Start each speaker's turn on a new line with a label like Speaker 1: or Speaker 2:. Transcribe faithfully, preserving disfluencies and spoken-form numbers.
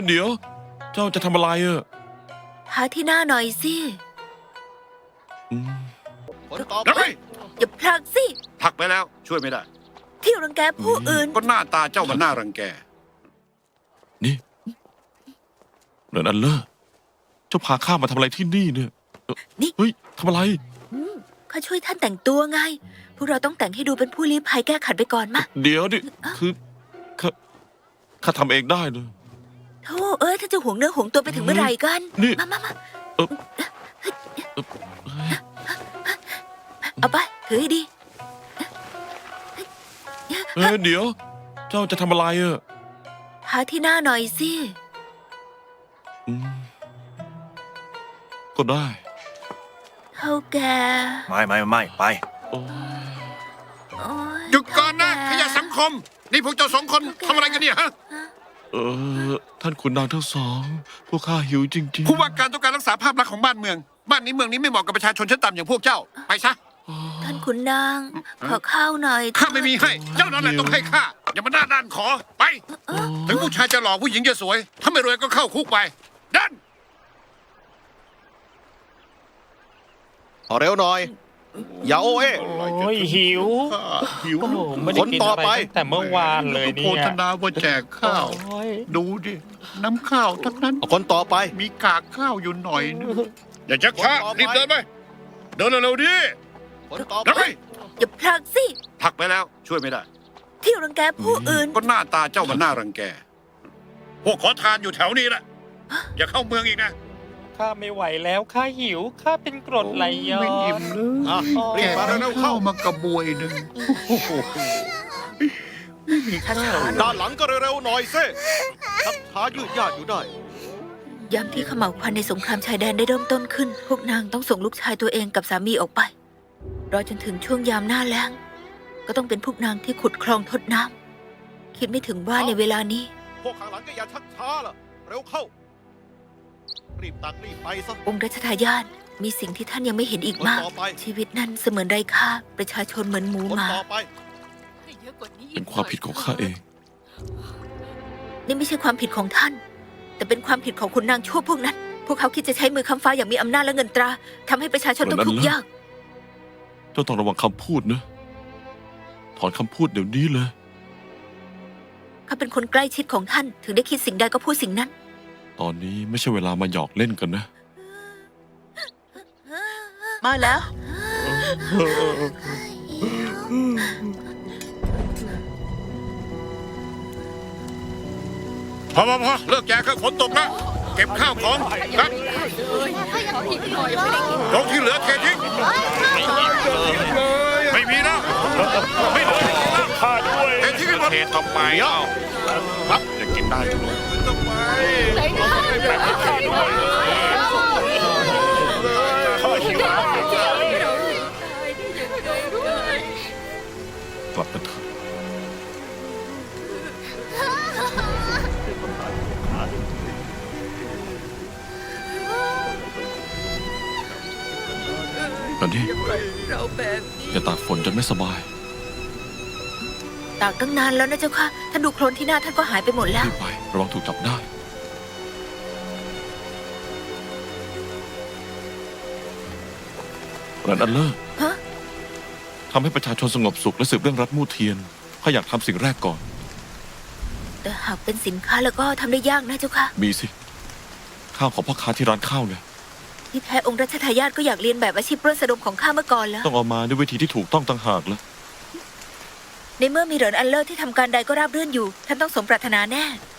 Speaker 1: เดี๋ยวเจ้าจะทำอะไรอ่ะ
Speaker 2: หาที่หน้าหน่อยสิ
Speaker 1: อืม
Speaker 3: ผลต่อ
Speaker 4: แล้ว
Speaker 3: ไป
Speaker 4: ไง
Speaker 2: อย่าผลักสิ
Speaker 4: ผลักไปแล้วช่วยไม่ได้
Speaker 2: ที่รังแกผู้อื่น
Speaker 4: ก็หน้าตาเจ้ามันน่ารังแก
Speaker 1: นี่เนินอันเลอร์เจ้าพาข้ามาทำอะไรที่นี่เนี่ยเอ่อ
Speaker 2: นี่
Speaker 1: เฮ้ยทำอะไร
Speaker 2: ข้าช่วยท่านแต่งตัวไง พวกเราต้องแต่งให้ดูเป็นผู้ลี้ภัยแก้ขัดไปก่อนมา
Speaker 1: เดี๋ยวดิคือข้าข้าทำเองได้เลย
Speaker 2: โธ่เอ้ยท่านจะหวงเนื้อหวงตัวไปถึงเมื่อไหร่กัน
Speaker 1: นี่
Speaker 2: มามามา
Speaker 1: เออเอ่อเฮ้ย
Speaker 2: เอาไป ถือให้ดี
Speaker 1: เอ้ยเดี๋ยว เจ้าจะทำอะไรอ่ะ
Speaker 2: หาที่หน้าหน่อยสิ
Speaker 1: อืมก็ได้
Speaker 2: เท่าแก
Speaker 3: ไม่ไม่ไม่ไป
Speaker 1: โอ้ย
Speaker 2: โอ๊ย
Speaker 4: หยุดก่อนนะ
Speaker 2: เท่า
Speaker 4: ขยะสังคม นี่พวกเจ้าสองคนทำอะไรกันเนี่ยฮะ
Speaker 1: เออท่านขุนนางทั้งสอง พวกข้าหิวจริงๆ
Speaker 4: ผู้ว่าการต้องการรักษาภาพลักษณ์ของบ้านเมือง บ้านนี้เมืองนี้ไม่เหมาะกับประชาชนชั้นต่ำอย่างพวกเจ้า ไปซะ
Speaker 2: ท่านขุนนาง ขอข้าวหน่อย
Speaker 4: ข้าไม่มีให้ เจ้านั่นแหละต้องให้ข้า อย่ามาหน้าด้านขอ ไป ถึงผู้ชายจะหล่อผู้หญิงจะสวย ถ้าไม่รวยก็เข้าคุกไปดัน
Speaker 3: ขอเร็วหน่อย อย่าโอเอ
Speaker 5: โอ้ยหิว
Speaker 4: หิว
Speaker 5: โอ้โหไม่ได้กิน
Speaker 3: คนต่อ
Speaker 5: อะไร
Speaker 3: ไป
Speaker 5: ตั้งแต่เมื่อวานเลย
Speaker 4: โฆ
Speaker 5: เนี่ย
Speaker 4: ษณาว่าแจกข้าว
Speaker 5: โอ้ย
Speaker 4: ดูดิ น้ำข้าวทั้งนั้น
Speaker 3: เอาคนต่อไป
Speaker 4: มีกากข้าวอยู่หน่อยนึงอย่าชักช้า
Speaker 3: คนต่อไป
Speaker 4: รีบเดินไป เดินเร็วๆดิ
Speaker 3: คนต่อ
Speaker 4: แล้ว
Speaker 3: ไป
Speaker 4: ไป
Speaker 2: อย่าผลักสิ
Speaker 4: ผลักไปแล้วช่วยไม่ได้
Speaker 2: ที่รังแกผู้อื่น
Speaker 4: ก็หน้าตาเจ้ามันน่ารังแก พวกขอทานอยู่แถวนี้แหละ อย่าเข้าเมืองอีกนะ
Speaker 5: ข้าไม่ไหวแล้วข้าหิวข้าเป็นกรดไหลย้อ
Speaker 4: ไม่อิ่
Speaker 5: น
Speaker 4: มเลย
Speaker 3: อ่ะรีบมาเร็วๆเข้า
Speaker 4: มากระบวยหนึ่งโอ้โห
Speaker 2: ช้าๆ
Speaker 3: ด้านหลังก็เร็วๆหน่อยสิทับช้ายืดยาดอยู่ได้
Speaker 2: ยามที่เขม่าวควันในสงครามชายแดนได้เริ่มต้นขึ้น พวกนางต้องส่งลูกชายตัวเองกับสามีออกไป รอจนถึงช่วงยามหน้าแล้ง ก็ต้องเป็นพวกนางที่ขุดคลองทดน้ำคิดไม่ถึงว่าในเวลานี้
Speaker 3: พวกข้างหลังก็อย่าชักช้าล่ะ เร็วเข้า รีบตักรีบไปซะ
Speaker 2: องค์รัชทายาทมีสิ่งที่ท่านยังไม่เห็นอีกมาก
Speaker 3: คนต่อไป
Speaker 2: ชีวิตนั้นเสมือนไร้ค่า ประชาชนเหมือนหมู
Speaker 3: คน
Speaker 2: หมา
Speaker 3: ต่อไป
Speaker 1: เป็นความผิดของข้าเอง
Speaker 2: นี่ไม่ใช่ความผิดของท่าน แต่เป็นความผิดของคุณนางชั่วพวกนั้น พวกเขาคิดจะใช้มือค้ำฟ้าอย่างมีอำนาจและเงินตราทำให้ประชาชนต้องทุกข์ยาก
Speaker 1: เจ้าต้องระวังคำพูดนะ ถอนคำพูดเดี๋ยวนี้เลย
Speaker 2: เขาเป็นคนใกล้ชิดของท่าน ถึงได้คิดสิ่งใดก็พูดสิ่งนั้น
Speaker 1: ตอนนี้ไม่ใช่เวลามาหยอกเล่นกันนะ
Speaker 2: มาแล้ว
Speaker 4: พอพอพอเลิกแจกเครื่องฝนตกแล้ว เก็บข้าวของครับตรงที่เหลือเททิ้งไม่มีแล้วไม่เหลือให้กินแล้ว
Speaker 5: ข้าด้วย
Speaker 4: เททิ้งให้หมด
Speaker 1: เททำไมเอ้าครับจะกินได้ทุกคน
Speaker 4: ทำไม
Speaker 5: ข้าหิว
Speaker 1: กลับกันเถอะตอนนี้อย่าตากฝนจนไม่สบาย
Speaker 2: ตากตั้งนานแล้วนะเจ้าค่ะ ท่านดูโคลนที่หน้าท่านก็หายไปหมดแล้ว
Speaker 1: รีบไประวังถูกจับได้ เรนอันเลอร์
Speaker 2: ฮะ
Speaker 1: ทำให้ประชาชนสงบสุขและสืบเรื่องรัฐมู่เทียนข้าอยากทำสิ่งแรกก่อน
Speaker 2: แต่หากเป็นสินค้าแล้วก็ทำได้ยากนะเจ้าค่ะ
Speaker 1: มีสิ ข้าวของพ่อค้าที่ร้านข้าวไง
Speaker 2: ที่แท้องค์รัชทายาทก็อยากเรียนแบบอาชีพปล้นสะดมของข้าเมื่อก่อนแล้ว
Speaker 1: ต้องเอามาด้วยวิธีที่ถูกต้องต่างหากแล้ว
Speaker 2: ในเมื่อมีเหรินอันเลอร์ที่ทำการใดก็ราบรื่นอยู่ ท่านต้องสมปรารถนาแน่